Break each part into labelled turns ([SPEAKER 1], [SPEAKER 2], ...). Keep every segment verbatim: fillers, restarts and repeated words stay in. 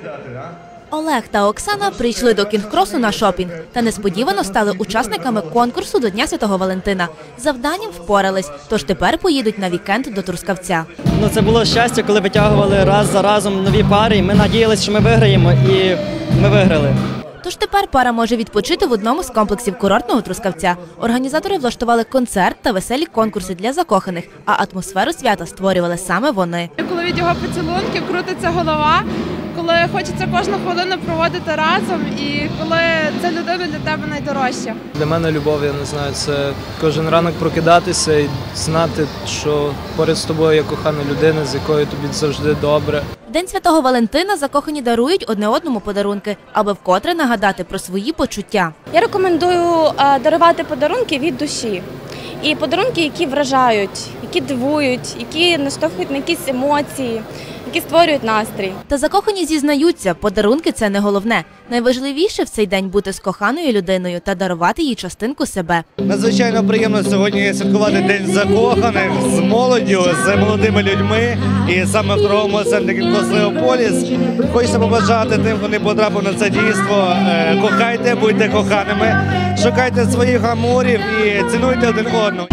[SPEAKER 1] Олег та Оксана прийшли до кінг-кросу на шопінг та несподівано стали учасниками конкурсу до Дня Святого Валентина. Завданням впорались, тож тепер поїдуть на вікенд до Трускавця.
[SPEAKER 2] Ну, це було щастя, коли витягували раз за разом нові пари. Ми надіялися, що ми виграємо, і ми виграли.
[SPEAKER 1] Тож тепер пара може відпочити в одному з комплексів курортного Трускавця. Організатори влаштували концерт та веселі конкурси для закоханих, а атмосферу свята створювали саме вони.
[SPEAKER 3] Коли від його поцілунків крутиться голова, коли хочеться кожну хвилину проводити разом і коли ця людина для тебе найдорожча.
[SPEAKER 4] Для мене любов, я не знаю, це кожен ранок прокидатися і знати, що поряд з тобою є кохана людина, з якою тобі завжди добре.
[SPEAKER 1] В День Святого Валентина закохані дарують одне одному подарунки, аби вкотре нагадати про свої почуття.
[SPEAKER 5] Я рекомендую дарувати подарунки від душі. І подарунки, які вражають, які дивують, які наштовхують на якісь емоції, які створюють настрій.
[SPEAKER 1] Та закохані зізнаються, подарунки – це не головне. Найважливіше в цей день бути з коханою людиною та дарувати їй частинку себе.
[SPEAKER 6] Надзвичайно приємно сьогодні святкувати День закоханих з молоддю, з молодими людьми. І саме в торговому центрі «Кінг-крос Леополіс» хочеться побажати тим, хто не потрапив на це дійство. Кохайте, будьте коханими, шукайте своїх амурів і цінуйте один одного.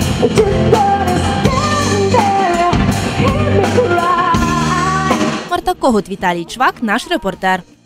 [SPEAKER 1] Марта Когут, Віталій Чвак, наш репортер.